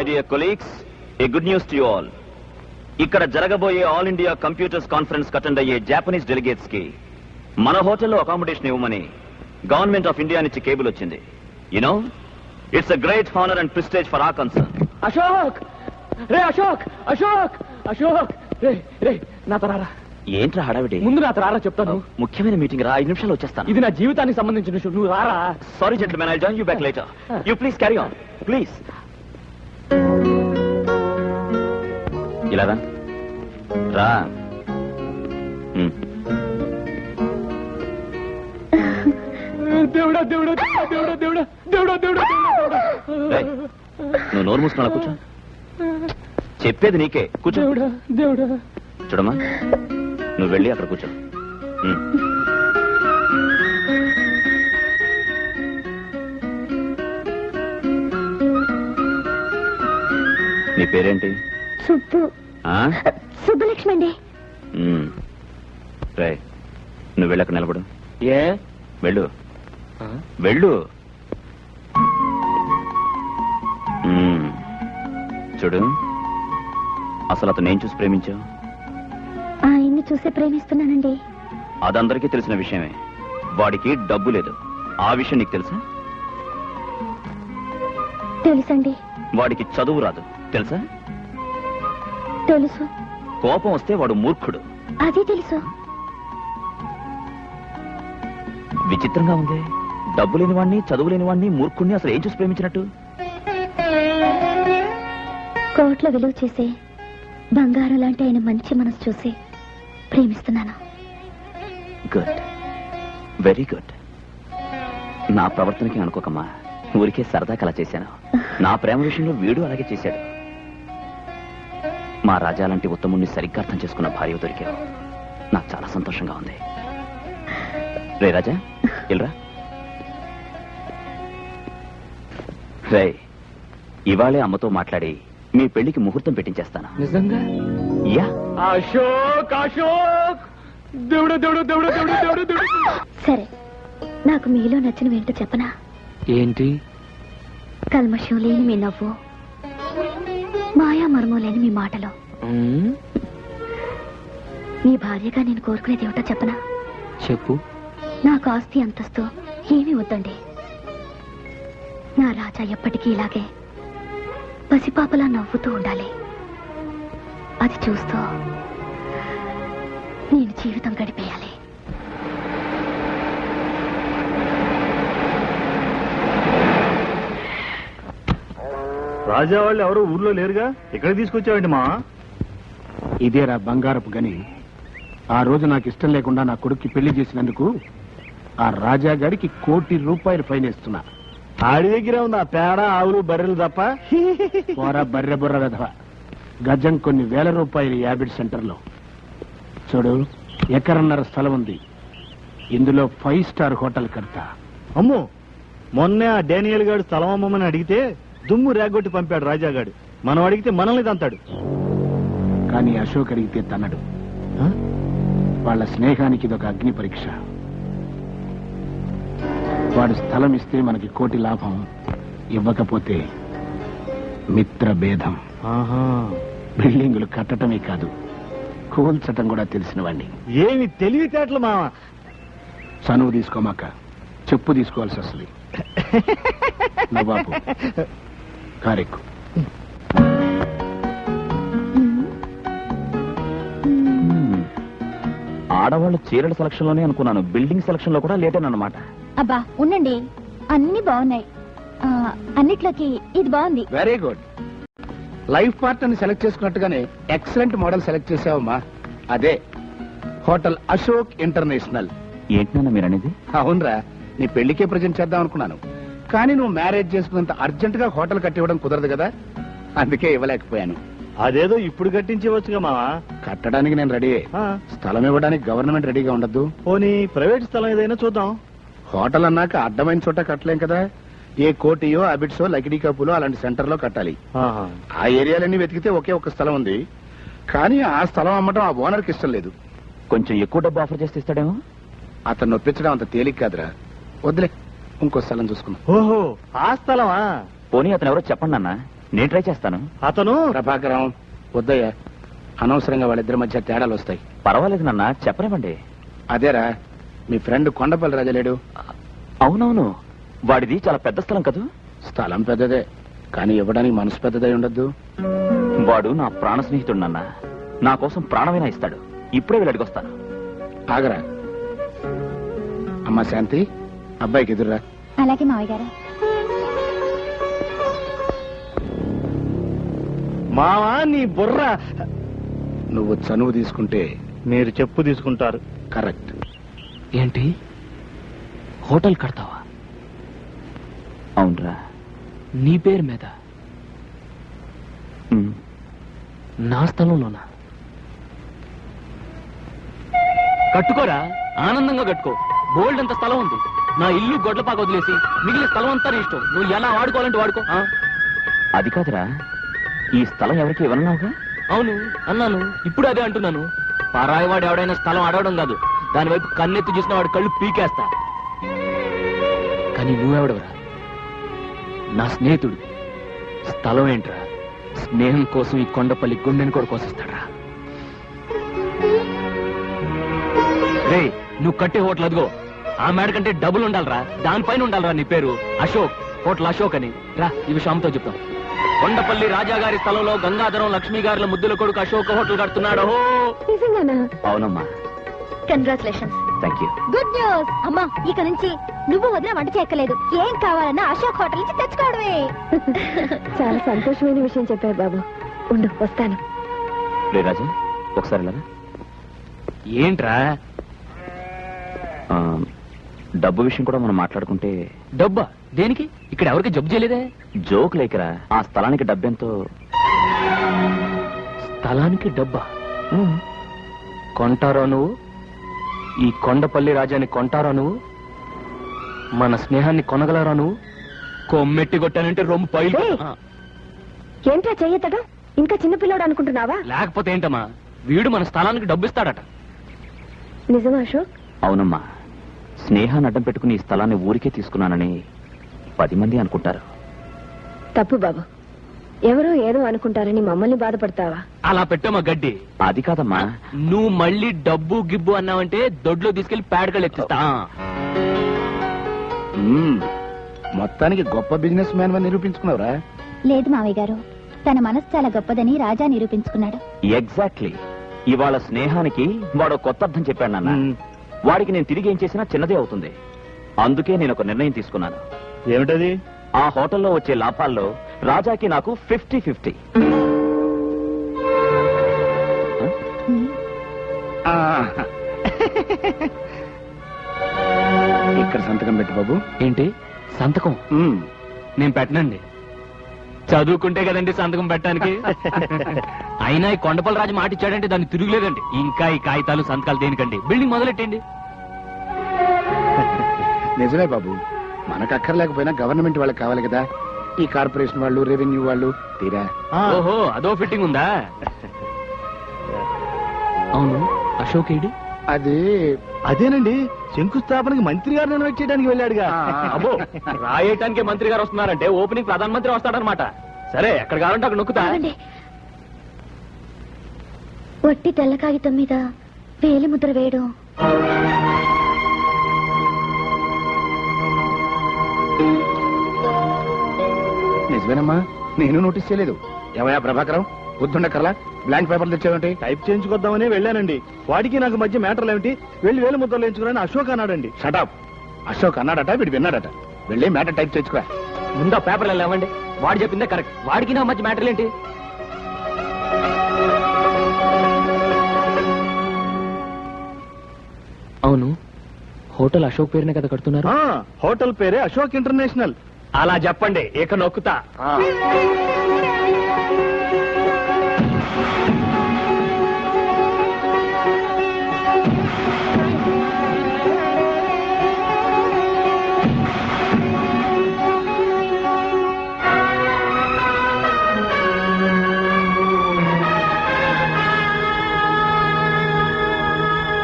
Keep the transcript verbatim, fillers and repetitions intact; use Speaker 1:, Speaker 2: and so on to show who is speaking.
Speaker 1: dear colleagues, a good news to you all. ఇక్కడ జరగబోయే all India computers conference attend అయ్యే Japanese delegates కి మన హోటల్లో అకామిడేషన్ ఇవ్వమని గవర్నమెంట్ ఆఫ్ ఇండియా నుంచి కేబుల్ వచ్చింది. You know, it's a great honour and prestige for our concern.
Speaker 2: Ashok రే అశోక్ అశోక్ అశోక్ రే రే నా తరారా.
Speaker 1: ఏంట్రా హడావిడి?
Speaker 2: ముందు నా తరారా చెప్తాను.
Speaker 1: ముఖ్యమైన మీటింగ్ రా, ఐదు నిమిషాలు వచ్చేస్తాను.
Speaker 2: ఇది నా జీవితానికి సంబంధించిన విషయం, నువ్వు రారా.
Speaker 1: Sorry gentlemen, I join you back later. You please carry on please. ఇలా రా రా.
Speaker 2: దేవుడా దేవుడా దేవుడా దేవుడా దేవుడా దేవుడా
Speaker 1: నువ్వు నోరు మూసుకున్నా కూర్చో. చెప్పేది నీకే, కూర్చో.
Speaker 2: దేవుడా దేవుడా.
Speaker 1: చూడమ్మా, నువ్వు వెళ్ళి అక్కడ కూర్చో. నీ పేరేంటి?
Speaker 3: సుబ్బు. సుబ్బలక్ష్మి అండి.
Speaker 1: రే, నువ్వు వెళ్ళక నిలబడు.
Speaker 2: ఏ
Speaker 1: వెళ్ళు వెళ్ళు. చూడు, అసలు అతను ఏం చూసి ప్రేమించావు?
Speaker 3: ఆయన్ని చూసి ప్రేమిస్తున్నానండి.
Speaker 1: అదందరికీ తెలిసిన విషయమే. వాడికి డబ్బు లేదు, ఆ విషయం నీకు తెలుసా?
Speaker 3: తెలుసండి.
Speaker 1: వాడికి చదువు రాదు, తెలుసా?
Speaker 3: తెలుసు.
Speaker 1: కోపం వస్తే వాడు మూర్ఖుడు,
Speaker 3: అది తెలుసు.
Speaker 1: విచిత్రంగా ఉంది. డబ్బు లేని వాడిని, చదువు లేని వాడిని, మూర్ఖుడిని అసలు ఏం చూసి ప్రేమించినట్టు?
Speaker 3: కోట్ల విలువ చేసే బంగారం లాంటి ఆయన మంచి మనసు చూసి ప్రేమిస్తున్నాను.
Speaker 1: Good, very good. నా ప్రవర్తనకి అనుకోకమ్మా, ఊరికే సరదా కలా చేశాను. నా ప్రేమ విషయంలో వీడు అలాగే చేశాడు. మా రాజా లాంటి ఉత్తముణ్ణి సరిగ్గా అర్థం చేసుకున్న భార్య దొరికావు. నాకు చాలా సంతోషంగా ఉంది. రే రాజా, ఇల్రా. రే, ఇవాళే అమ్మతో మాట్లాడి మీ పెళ్లికి ముహూర్తం పెట్టించేస్తాను.
Speaker 2: నిజంగా?
Speaker 1: యా.
Speaker 2: అశోక్ అశోక్ దేవుడు దేవుడు దేవుడు దేవుడు దేవుడు దేవుడు.
Speaker 3: సరే, నాకు మీలో నచ్చిన ఏంటో చెప్పనా?
Speaker 2: ఏంటి?
Speaker 3: కల్మషం లేని మీ నవ్వు, మాయా మర్మం లేని మీ మాటలు. మీ భార్యగా నేను కోరుకునేది ఏమిటో చెప్పనా?
Speaker 2: చెప్పు.
Speaker 3: నాకు ఆస్తి అంతస్తు ఏమీ వద్దండి. నా రాజా ఎప్పటికీ ఇలాగే పసిపాపలా నవ్వుతూ ఉండాలి. అది చూస్తూ నేను జీవితం గడిపేయాలి.
Speaker 4: రాజా వాళ్ళు ఎవరో ఊర్లో లేరుగా, ఇక్కడ తీసుకొచ్చావండి మా?
Speaker 5: ఇదేరా బంగారపు గని. ఆ రోజు నాకు ఇష్టం లేకుండా నా కొడుక్కి పెళ్లి చేసినందుకు ఆ రాజా గారికి కోటి రూపాయలు ఫైన్ ఇస్తున్నా.
Speaker 4: ఆడి దగ్గర ఉంది ఆ పేడ, ఆవులు, బర్రెలు తప్ప.
Speaker 5: పోరా బర్రె బుర్ర వెధవ. గజం కొన్ని వేల రూపాయలు యాబిడ్ సెంటర్లో. చూడు, ఎకరన్నర స్థలం ఉంది. ఇందులో ఫైవ్ స్టార్ హోటల్ కడతా.
Speaker 4: అమ్మో, మొన్నే ఆ డానియల్ గారు స్థలం అమ్మమని అడిగితే దుమ్ము రేగొట్టి పంపాడు రాజాగాడు. మనం అడిగితే మనల్ని తంతాడు.
Speaker 5: కానీ అశోక్ అడిగితే తన్నడు. వాళ్ళ స్నేహానికి ఇదొక అగ్ని పరీక్ష. వాడు స్థలం ఇస్తే మనకి కోటి లాభం, ఇవ్వకపోతే మిత్ర భేదం. బిల్డింగులు కట్టడమే కాదు, కూల్చటం కూడా తెలిసిన వాడిని.
Speaker 4: ఏమి తెలివితేటలు మామ.
Speaker 5: చనువు తీసుకోమాక చెప్పు తీసుకోవాల్సి వస్తుంది. నవాబు కారెక్కు.
Speaker 1: ఆడవాళ్ళు చీరల సెలక్షన్ లోనే అనుకున్నాను, బిల్డింగ్ సెలక్షన్ లో కూడా లేటేనన్నమాట.
Speaker 3: అబ్బా ఉండండి, అన్ని బాగున్నాయి. అన్నిట్లోకి ఇది బాగుంది.
Speaker 5: Very good. లైఫ్ పార్ట్నర్ ని సెలెక్ట్ చేసుకున్నట్టుగానే ఎక్సలెంట్ మోడల్ సెలెక్ట్ చేసావమ్మా. అదే హోటల్ అశోక్ ఇంటర్నేషనల్.
Speaker 1: ఏంటన్నా మీరు అనేది?
Speaker 5: అవునరా, నీ పెళ్లికే ప్రజెంట్ చేద్దాం అనుకున్నాను. కానీ నువ్వు మ్యారేజ్ చేసుకున్నంత అర్జెంట్ గా హోటల్ కట్టివ్వడం కుదరదు కదా, అందుకే ఇవ్వలేకపోయాను.
Speaker 4: అదేదో ఇప్పుడు కట్టించవచ్చుగా మావా.
Speaker 5: కట్టడానికి నేను రెడీ. స్థలం ఇవ్వడానికి గవర్నమెంట్ రెడీగా ఉండద్దు.
Speaker 4: పోనీ ప్రైవేట్ స్థలం ఏదైనా చూద్దాం.
Speaker 5: హోటల్ అన్నాక అడ్డమైన చోట కట్టలేం కదా. ఏ కోటియో, అబిడ్సో, లకిడీ కప్పులో అలాంటి సెంటర్ లో కట్టాలి. ఆ ఏరియాలన్నీ వెతికితే ఒకే ఒక స్థలం ఉంది. కానీ ఆ స్థలం అమ్మటం ఆ ఓనర్ కి ఇష్టం లేదు.
Speaker 1: కొంచెం ఎక్కువ డబ్బు ఆఫర్ చేస్తే ఇస్తాడేమో.
Speaker 5: అతను నొప్పించడం అంత తేలిక కాదురా, వద్దులే, ఇంకో స్థలం చూసుకున్నా.
Speaker 4: ఓహో, ఆ స్థలమా?
Speaker 1: పోనీ అతను ఎవరో చెప్పండి అన్న. నేను ట్రై చేస్తాను.
Speaker 4: అతను
Speaker 5: ప్రభాకరం వద్దయ్యా, అనవసరంగా వాళ్ళిద్దరి మధ్య తేడాలు వస్తాయి.
Speaker 1: పర్వాలేదు నాన్న, చెప్పనివ్వండి.
Speaker 5: అదేరా మీ ఫ్రెండ్ కొండపల్లి రాజా లేడు?
Speaker 1: అవునవును, వాడిది చాలా పెద్ద స్థలం కదూ.
Speaker 5: స్థలం పెద్దదే, కానీ ఇవ్వడానికి మనసు పెద్దదై ఉండద్దు.
Speaker 1: వాడు నా ప్రాణ స్నేహితుడు నాన్న, నా కోసం ప్రాణమైనా ఇస్తాడు. ఇప్పుడే వెళ్ళి అడిగొస్తాను.
Speaker 5: ఆగరా అమ్మా శాంతి, అబ్బాయికి ఎదురురా.
Speaker 3: అలాగే మావయ్య గారు.
Speaker 4: మావా నీ బుర్ర.
Speaker 5: నువ్వు చనువు తీసుకుంటే
Speaker 4: మీరు చెప్పు తీసుకుంటారు.
Speaker 5: కరెక్ట్.
Speaker 2: ఏంటి హోటల్ కడతావా?
Speaker 1: అవునరా.
Speaker 2: నీ పేరు మీద?
Speaker 1: ఉమ్.
Speaker 2: నా స్థలంలోనా? కట్టుకోరా, ఆనందంగా కట్టుకో. బోల్డ్ అంత స్థలం ఉంది. నా ఇల్లు గొడ్లపాక వదిలేసి మిగిలిన స్థలం అంతా నీ ఇష్టం. నువ్వు ఎలా వాడుకోవాలంటే వాడుకో. ఆ?
Speaker 1: అది కాదురా, ఈ స్థలం ఎవరికి ఇవ్వనున్నావుగా?
Speaker 2: అవును అన్నాను, ఇప్పుడు అదే అంటున్నాను. పరాయి వాడు ఎవడైనా స్థలం అడవడం కాదు, దాని వైపు కన్నెత్తి చూసిన వాడు కళ్ళు పీకేస్తా. కానీ నువ్వెవడవరా? నా స్నేహితుడు. స్థలం ఏంట్రా? స్నేహం కోసం ఈ కొండపల్లి గుండెని కూడా కోసిస్తాడ్రా. రే, నువ్వు కట్టే హోటల్ అదిగో, ఆ మేడ కంటే డబుల్ ఉండాలరా. దానిపైన ఉండాలరా నీ పేరు. అశోక్, హోటల్ అశోక్ అని. రా, ఈ విషయం అమ్మతో చెప్తాం. కొండపల్లి రాజా గారి స్థలంలో గంగాధరం లక్ష్మీ గారుల ముద్దుల కొడుకు అశోక్ హోటల్ కడుతున్నాడు.
Speaker 3: నిజంగానా?
Speaker 1: అవునమ్మా.
Speaker 3: Congratulations.
Speaker 1: Thank you.
Speaker 3: Good news. అమ్మా, ఇక నుంచి నువ్వు వదిన వంట చేయక్కలేదు. ఏం కావాలన్నా అశోక్ హోటల్ నుంచి తెచ్చుకోవడమే. చాలా సంతోషమైన విషయం చెప్పారు బాబు. ఉండు, వస్తాను.
Speaker 1: రే రాజా, ఒకసారి వెళ్ళరా.
Speaker 2: ఏంట్రా?
Speaker 1: ఆ, డబ్బు విషయం కూడా మనం మాట్లాడుకుంటే.
Speaker 2: డబ్బా దేనికి? ఇక్కడ ఎవరికి జబ్బు చేయలేదే.
Speaker 1: జోక్ లేకరా, ఆ స్థలానికి డబ్బెంతో.
Speaker 2: స్థలానికి డబ్బా? కొంటారా నువ్వు? ఈ కొండపల్లి రాజాని కొంటారా నువ్వు? మన స్నేహాన్ని కొనగలరా నువ్వు? కొమ్మెట్టి కొట్టానంటే రొమ్ము పైలు.
Speaker 3: ఏంట్రా చెయ్యతడం? ఇంకా చిన్నపిల్లాడు అనుకుంటున్నావా?
Speaker 2: లేకపోతే ఏంటమ్మా, వీడు మన స్థలానికి డబ్బు ఇస్తాడట.
Speaker 3: నిజమా అశోక్?
Speaker 1: అవునమ్మా, స్నేహాన్ని అడ్డం పెట్టుకుని ఈ స్థలాన్ని ఊరికే తీసుకున్నానని పది మంది అనుకుంటారు.
Speaker 3: తప్పు బాబు. ఎవరో ఏదో అనుకుంటారని మమ్మల్ని బాధపడతావా?
Speaker 2: అలా పెట్టమ్మా గడ్డి.
Speaker 1: అది కాదమ్మా.
Speaker 2: నువ్వు మళ్ళీ డబ్బు గిబ్బు అన్నావంటే దొడ్లో తీసుకెళ్లి పేడకలు ఎత్తిస్తా.
Speaker 5: మ్మ్. మొత్తానికి గొప్ప బిజినెస్ మ్యాన్ అని నిరూపించుకున్నావురా.
Speaker 3: లేదు మావయ్య గారు, తన మనసు చాలా గొప్పదని రాజా నిరూపించుకున్నాడు.
Speaker 1: ఎగ్జాక్ట్లీ. ఇవాళ స్నేహానికి వాడు కొత్త అర్థం చెప్పాడు నాన్న. వాడికి నేను తిరిగి ఏం చేసినా చిన్నదే అవుతుంది. అందుకే నేను ఒక నిర్ణయం తీసుకున్నాను.
Speaker 4: ఏమిటది?
Speaker 1: ఆ హోటల్లో వచ్చే లాభాల్లో రాజాకి నాకు ఫిఫ్టీ ఫిఫ్టీ.
Speaker 5: ఇక్కడ సంతకం పెట్టు బాబు.
Speaker 2: ఏంటి సంతకం?
Speaker 5: మ్మ్.
Speaker 2: నేను పెట్టనండి. చదువుకుంటే కదండి సంతకం పెట్టడానికి. అయినా ఈ కొండపల్లి రాజు మాట ఇచ్చాడంటే దాన్ని తిరుగులేదండి. ఇంకా ఈ కాగితాలు సంతకాలు దేనికండి? బిల్డింగ్ మొదలెట్టండి.
Speaker 5: నిజమే బాబు, మనకు అక్కర్లేకపోయినా గవర్నమెంట్ వాళ్ళకి కావాలి కదా. ఈ కార్పొరేషన్ వాళ్ళు, రెవెన్యూ వాళ్ళు తీరా.
Speaker 2: ఓహో, అదో ఫిట్టింగ్ ఉందా? అవును, అశోక్ ఏడి?
Speaker 5: అది
Speaker 4: అదేనండి, శంకుస్థాపనకి మంత్రి గారిని ఇన్వైట్ చేయడానికి వెళ్ళాడుగా.
Speaker 2: అబ్బో, రాయటానికి మంత్రి గారు వస్తున్నారంటే ఓపెనింగ్ ప్రధానమంత్రి వస్తాడనమాట. సరే, ఎక్కడ కావాలంటే అక్కడ నొక్కుతా.
Speaker 3: ఆగండి. వట్టి తెల్ల కాగితం మీద వేలి ముద్ర వేయడం
Speaker 5: నిజమేనమ్మా, నేను నోటీస్ చేయలేదు. ఏమయ్యా ప్రభాకరం, బుద్ధుండకర్లా బ్లాంక్ పేపర్లు తెచ్చావేంటి?
Speaker 4: టైప్ చేయించుకొద్దామని వెళ్ళానండి. వాడికి నాకు మధ్య మ్యాటర్లు ఏమిటి? వెళ్ళి వేలు ముద్రలు వేయించుకున్నాను అశోక్ అన్నాడండి.
Speaker 5: షటప్. అశోక్ అన్నాడట, వీడు విన్నాడట. వెళ్ళి మ్యాటర్ టైప్ తెచ్చుకో.
Speaker 2: ముందా పేపర్లు లేవండి. వాడు చెప్పిందే కరెక్ట్. వాడికి నా మధ్య మ్యాటర్ ఏంటి? అవును, హోటల్ అశోక్ పేరునే కదా కడుతున్నారు?
Speaker 4: ఆ, హోటల్ పేరే అశోక్ ఇంటర్నేషనల్.
Speaker 2: అలా చెప్పండి, ఇక నొక్కుతా.